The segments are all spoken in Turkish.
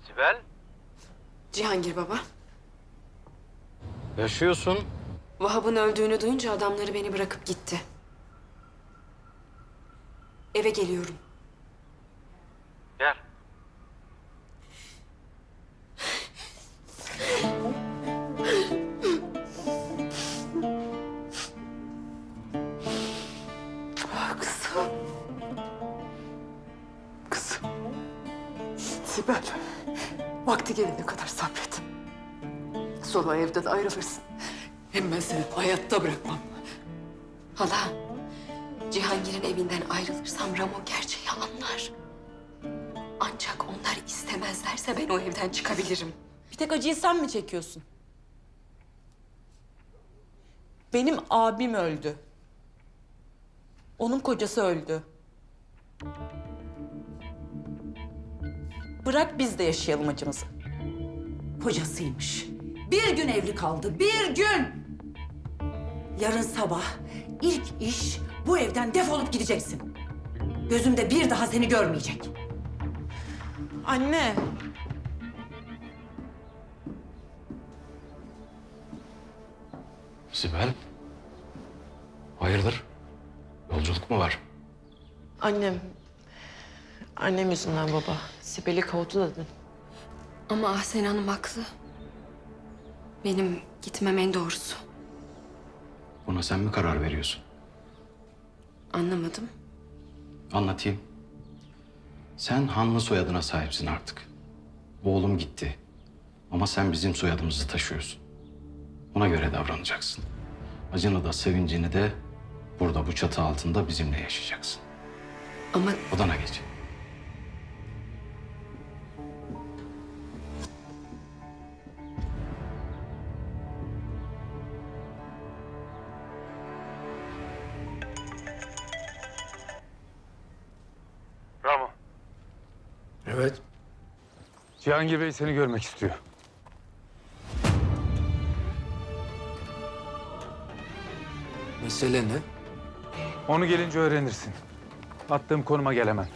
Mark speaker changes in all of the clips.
Speaker 1: Sibel?
Speaker 2: Cihangir baba.
Speaker 1: Yaşıyorsun.
Speaker 2: Vahap'ın öldüğünü duyunca adamları beni bırakıp gitti. Eve geliyorum.
Speaker 1: Gel.
Speaker 2: Kızım. Kızım. Sibel. Vakti gelene kadar sabret. Sonra evden ayrılırsın. Hem ben seni hayatta bırakmam. Hala, Cihangir'in evinden ayrılırsam Ramo gerçeği anlar. Ancak onlar istemezlerse ben o evden çıkabilirim.
Speaker 3: Bir tek acıyı sen mi çekiyorsun? Benim abim öldü. Onun kocası öldü. Bırak biz de yaşayalım acımızı.
Speaker 4: Kocasıymış. Bir gün evli kaldı, bir gün. Yarın sabah ilk iş bu evden defolup gideceksin. Gözümde bir daha seni görmeyecek.
Speaker 3: Anne.
Speaker 1: Sibel? Hayırdır? Yolculuk mu var?
Speaker 3: Annem yüzünden baba. Sibel'i kovdu dedin.
Speaker 2: Ama Ahsen Hanım haklı. Benim gitmem en doğrusu.
Speaker 1: Buna sen mi karar veriyorsun?
Speaker 2: Anlamadım.
Speaker 1: Anlatayım. Sen Hanlı soyadına sahipsin artık. Oğlum gitti. Ama sen bizim soyadımızı taşıyorsun. Ona göre davranacaksın. Acını da sevincini de burada bu çatı altında bizimle yaşayacaksın.
Speaker 2: Ama
Speaker 1: Odana geç.
Speaker 5: Bravo.
Speaker 6: Evet.
Speaker 5: Cihangir Bey seni görmek istiyor.
Speaker 6: Mesele ne?
Speaker 5: Onu gelince öğrenirsin. Attığım konuma gel hemen.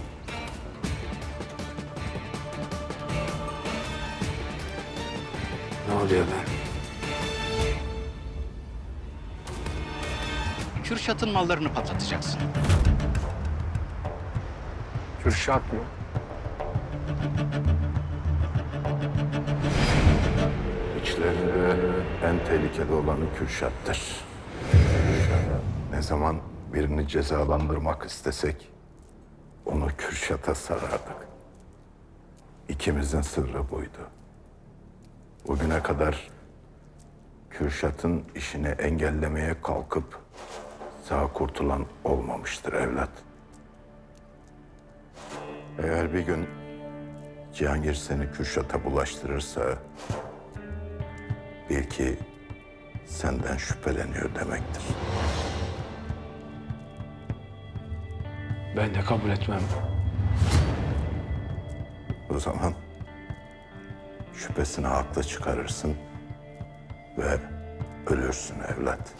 Speaker 6: Ne oluyor be?
Speaker 1: Kürşat'ın mallarını patlatacaksın.
Speaker 5: Kürşat mı?
Speaker 7: İçlerinde en tehlikeli olanı Kürşat'tır. Ne zaman birini cezalandırmak istesek onu Kürşat'a sarardık. İkimizin sırrı buydu. Bugüne kadar Kürşat'ın işini engellemeye kalkıp sağ kurtulan olmamıştır evlat. Eğer bir gün Cihangir seni Kürşat'a bulaştırırsa bil ki senden şüpheleniyor demektir.
Speaker 6: Ben de kabul etmem.
Speaker 7: O zaman şüphesini haklı çıkarırsın ve ölürsün evlat.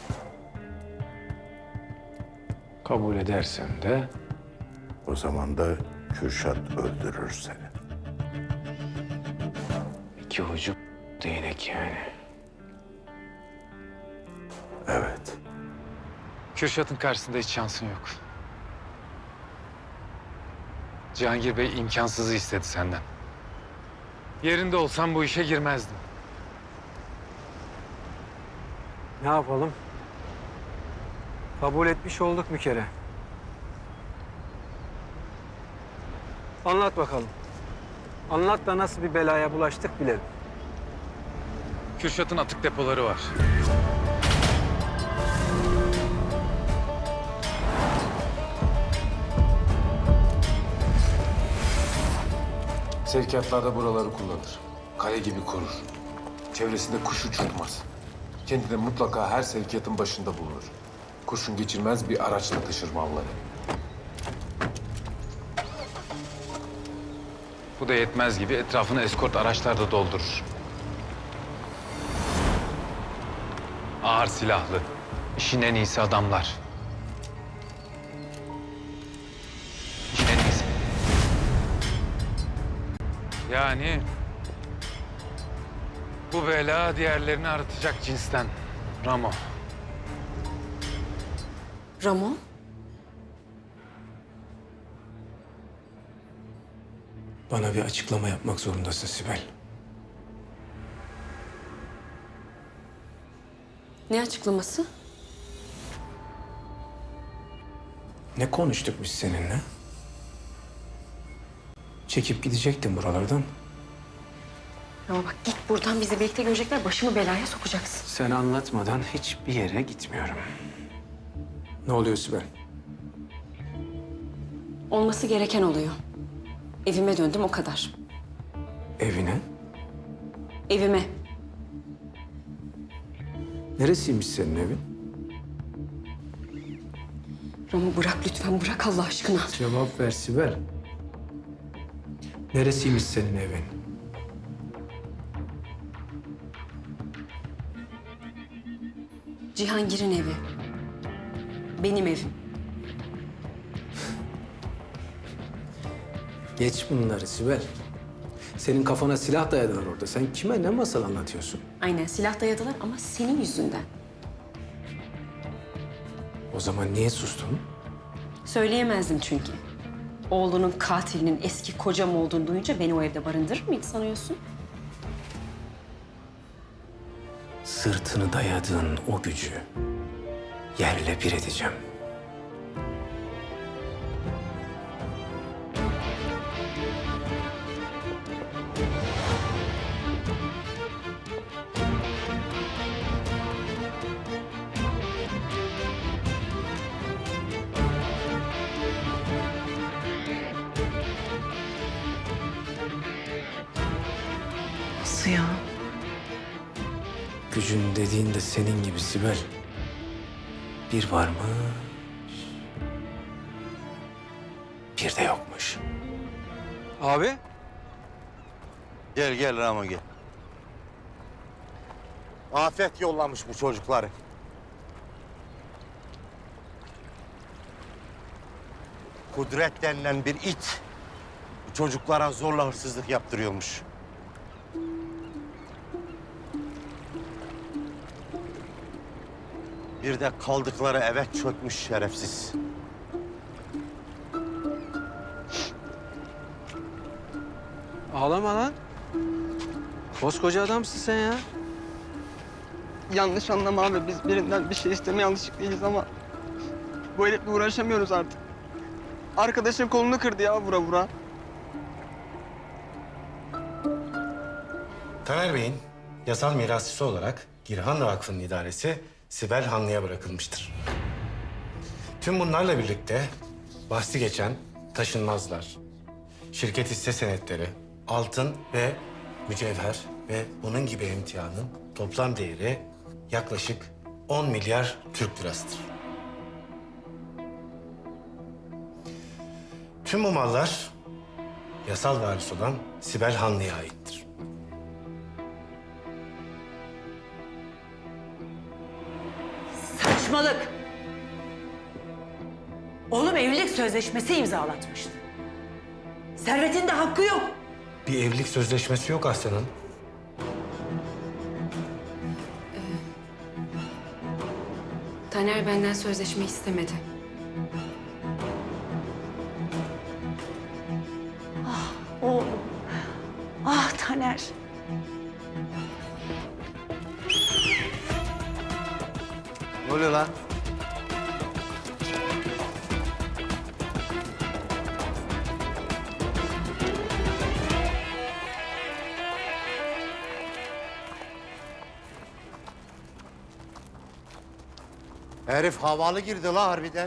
Speaker 6: Kabul edersem de
Speaker 7: O zaman da Kürşat öldürür seni.
Speaker 6: iki ucu değnek yani.
Speaker 7: Evet.
Speaker 5: Kürşat'ın karşısında hiç şansın yok. Cihangir Bey imkansızı istedi senden. Yerinde olsam bu işe girmezdim.
Speaker 8: Ne yapalım? Kabul etmiş olduk bir kere. Anlat bakalım. Anlat da nasıl bir belaya bulaştık bilelim.
Speaker 5: Kürşat'ın atık depoları var.
Speaker 6: Sevkiyatlarda buraları kullanır. Kale gibi korur. Çevresinde kuş uçurtmaz. Kendi de mutlaka her sevkiyatın başında bulunur. Kurşun geçirmez bir araçla taşır malları.
Speaker 5: Bu da yetmez gibi etrafını eskort araçlarda doldurur. Ağır silahlı, işin en iyisi adamlar. İşin en iyisi. Yani bu bela diğerlerini aratacak cinsten. Ramo.
Speaker 2: Ramo?
Speaker 9: Bana bir açıklama yapmak zorundasın Sibel.
Speaker 2: Ne açıklaması?
Speaker 9: Ne konuştuk biz seninle? Çekip gidecektin buralardan.
Speaker 2: Ramo bak git buradan, bizi birlikte görecekler, başımı belaya sokacaksın.
Speaker 9: Sen anlatmadan hiçbir yere gitmiyorum. Ne oluyor Sibel?
Speaker 2: Olması gereken oluyor. Evime döndüm, o kadar.
Speaker 9: Evine?
Speaker 2: Evime.
Speaker 9: Neresiymiş senin evin?
Speaker 2: Ramo bırak lütfen, bırak Allah aşkına.
Speaker 9: Cevap ver Sibel. Neresiymiş senin evin?
Speaker 2: Cihangir'in evi. Benim evim.
Speaker 9: Geç bunları Sibel. Senin kafana silah dayadılar orada. Sen kime ne masal anlatıyorsun?
Speaker 2: Aynen, silah dayadılar ama senin yüzünden.
Speaker 9: O zaman niye sustun?
Speaker 2: Söyleyemezdim çünkü. Oğlunun katilinin eski kocam olduğunu duyunca beni o evde barındırır mıydı sanıyorsun?
Speaker 9: Sırtını dayadığın o gücü yerle bir edeceğim.
Speaker 3: Nasıl ya?
Speaker 9: Gücün dediğin de senin gibi Sibel. Bir varmış, bir de yokmuş.
Speaker 8: Abi.
Speaker 10: Gel gel Ramo gel. Afet yollamış bu çocukları. Kudret denilen bir it bu çocuklara zorla hırsızlık yaptırıyormuş. Bir de kaldıkları eve çökmüş şerefsiz.
Speaker 8: Ağlama lan. Koskoca adamsın sen ya.
Speaker 11: Yanlış anlama abi. Biz birinden bir şey istemeye alışık değiliz ama bu herifle uğraşamıyoruz artık. Arkadaşın kolunu kırdı ya vura vura.
Speaker 12: Taner Bey'in yasal mirasçısı olarak Girhan Vakfı'nın idaresi Sibel Hanlı'ya bırakılmıştır. Tüm bunlarla birlikte bahsi geçen taşınmazlar, şirket hisse senetleri, altın ve mücevher ve bunun gibi emtianın toplam değeri yaklaşık 10 milyar Türk lirasıdır. Tüm bu mallar yasal varis olan Sibel Hanlı'ya aittir.
Speaker 4: Saçmalık. Oğlum evlilik sözleşmesi imzalatmıştı. Servetin de hakkı yok.
Speaker 12: Bir evlilik sözleşmesi yok Aslan'ın.
Speaker 2: Taner benden sözleşme istemedi.
Speaker 4: Oğlum. Ah Taner.
Speaker 10: Ne oluyor lan? Herif havalı girdi la harbiden.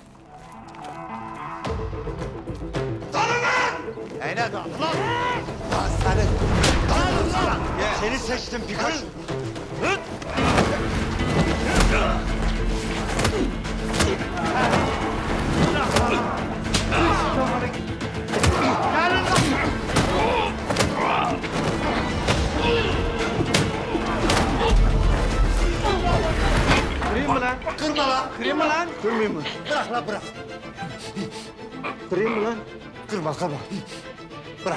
Speaker 10: Dalın lan! Neyine dalın lan? Lan seni! Dalın lan! Seni seçtim Pikachu.
Speaker 8: Kırayım mı lan?
Speaker 10: Kırma lan!
Speaker 8: Kırayım mı lan?
Speaker 10: Kırmayayım mı? Bırak lan bırak.
Speaker 8: Kırayım mı lan?
Speaker 10: Kırma kırma. Bırak.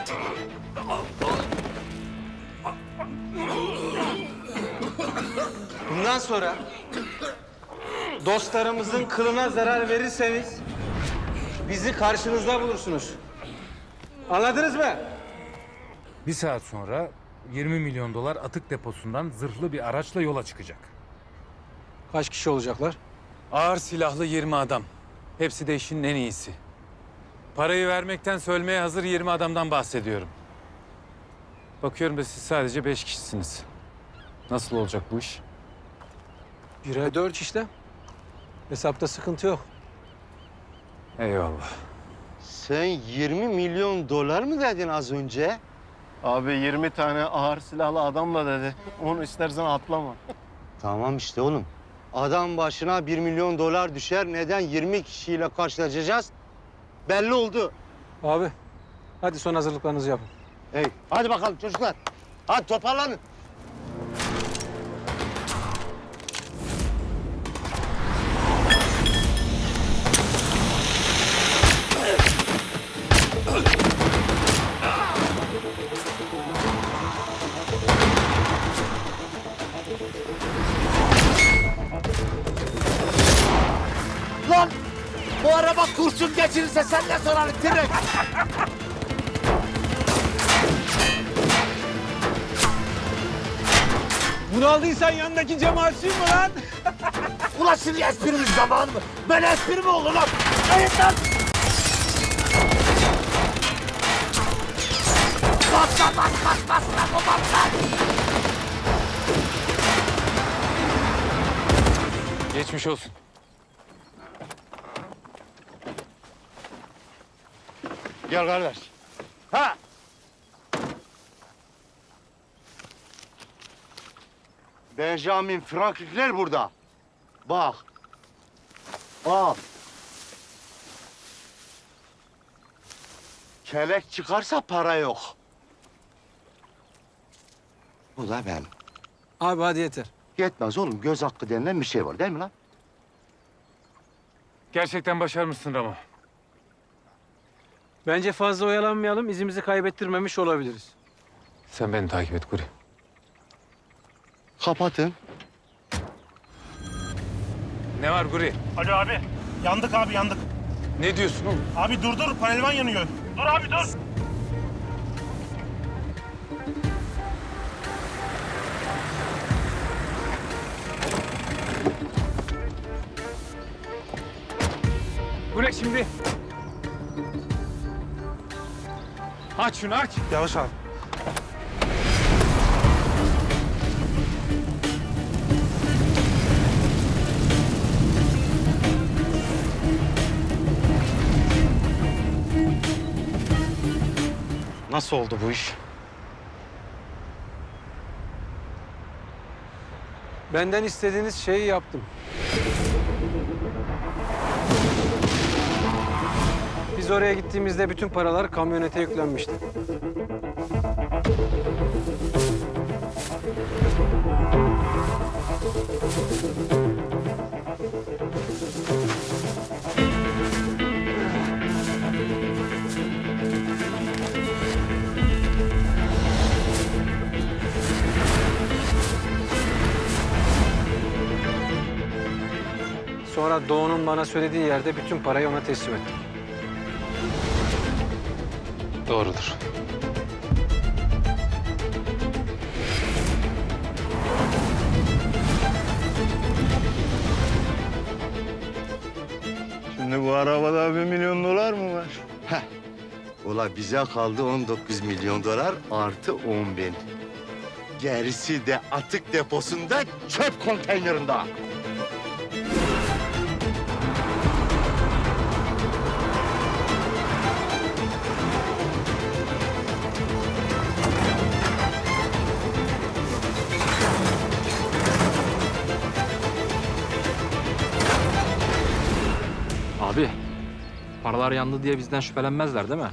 Speaker 11: Bundan sonra dostlarımızın kılına zarar verirseniz bizi karşınızda bulursunuz. Anladınız mı?
Speaker 5: Bir saat sonra 20 milyon dolar atık deposundan zırhlı bir araçla yola çıkacak.
Speaker 9: Kaç kişi olacaklar?
Speaker 5: Ağır silahlı 20 adam. Hepsi de işin en iyisi. Parayı vermekten ölmeye hazır 20 adamdan bahsediyorum. Bakıyorum da siz sadece 5 kişisiniz. Nasıl olacak bu iş?
Speaker 9: 1'e 4 işte. Hesapta sıkıntı yok.
Speaker 5: Eyvallah.
Speaker 10: Sen 20 milyon dolar mı dedin az önce?
Speaker 11: Abi 20 tane ağır silahlı adamla dedi. Onu istersen atlama.
Speaker 10: Tamam işte oğlum. Adam başına 1 milyon dolar düşer. Neden 20 kişiyle karşılaşacağız? Belli oldu.
Speaker 9: Abi hadi son hazırlıklarınızı yapın.
Speaker 10: Hey, hadi bakalım çocuklar. Hadi toparlanın. Lan! Bu araba kurşun geçirirse sen ne sorarım direkt?
Speaker 11: Bunu aldıysan yanındaki cemaatçiyim mi lan?
Speaker 10: Ulan şimdi esprimiz zamanı mı? Böyle espri mi olur lan? Hayır lan! Bas lan bas lan o bas lan!
Speaker 5: Geçmiş olsun.
Speaker 10: Gel kardeş. Ha! Benjamin Franklin'ler burada. Bak. Al. Kelek çıkarsa para yok. Bu da ben.
Speaker 9: Abi hadi yeter.
Speaker 10: Yetmez oğlum. Göz hakkı denilen bir şey var değil mi lan?
Speaker 5: Gerçekten başarmışsın Ramo.
Speaker 9: Bence fazla oyalanmayalım, izimizi kaybettirmemiş olabiliriz.
Speaker 5: Sen beni takip et Kuri.
Speaker 10: Kapatın.
Speaker 5: Ne var Kuri?
Speaker 13: Alo abi. Yandık abi yandık.
Speaker 5: Ne diyorsun oğlum?
Speaker 13: Abi dur panelvan yanıyor. Dur abi dur.
Speaker 5: Bu ne şimdi? Aç şunu aç.
Speaker 13: Yavaş abi.
Speaker 12: Nasıl oldu bu iş?
Speaker 9: Benden istediğiniz şeyi yaptım. Biz oraya gittiğimizde bütün paralar kamyonete yüklenmişti. Sonra Doğu'nun bana söylediği yerde bütün parayı ona teslim ettim.
Speaker 5: Doğrudur.
Speaker 10: Şimdi bu arabada 1 milyon dolar mı var? Heh. Ula bize kaldı 19 milyon dolar artı 10 bin. Gerisi de atık deposunda çöp konteynerinde.
Speaker 11: Abi, paralar yandı diye bizden şüphelenmezler değil mi?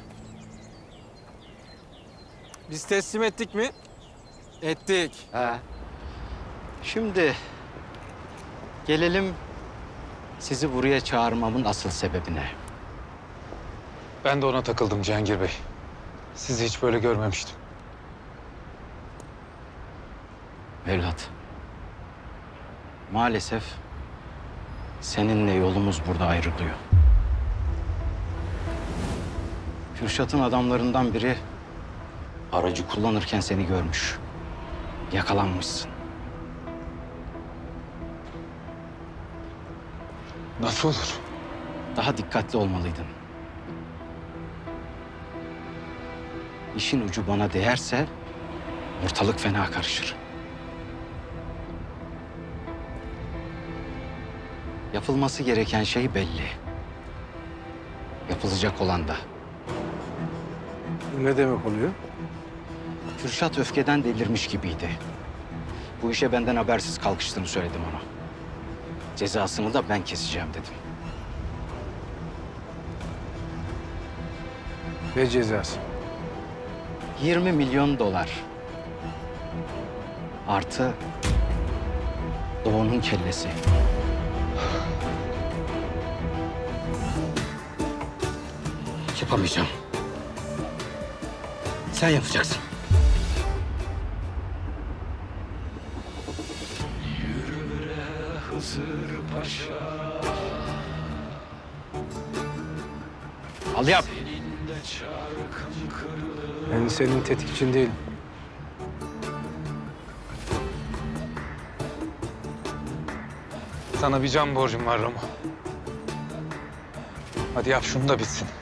Speaker 9: Biz teslim ettik mi? Ettik.
Speaker 10: He.
Speaker 1: Şimdi gelelim sizi buraya çağırmamın asıl sebebine.
Speaker 5: Ben de ona takıldım Cihangir Bey. Sizi hiç böyle görmemiştim.
Speaker 1: Evlat. Maalesef seninle yolumuz burada ayrılıyor. Kürşat'ın adamlarından biri aracı kullanırken seni görmüş. Yakalanmışsın.
Speaker 5: Nasıl olur?
Speaker 1: Daha dikkatli olmalıydın. İşin ucu bana değerse ortalık fena karışır. Yapılması gereken şey belli. Yapılacak olan da.
Speaker 9: Bu ne demek oluyor?
Speaker 1: Kürşat öfkeden delirmiş gibiydi. Bu işe benden habersiz kalkıştığını söyledim ona. Cezasını da ben keseceğim dedim.
Speaker 9: Ne cezası?
Speaker 1: 20 milyon dolar. Artı Doğu'nun kellesi. Yapamayacağım. Sen yapacaksın. Al yap.
Speaker 9: Ben senin tetikçin değilim.
Speaker 5: Sana bir can borcum var Ramo. Hadi yap şunu da bitsin.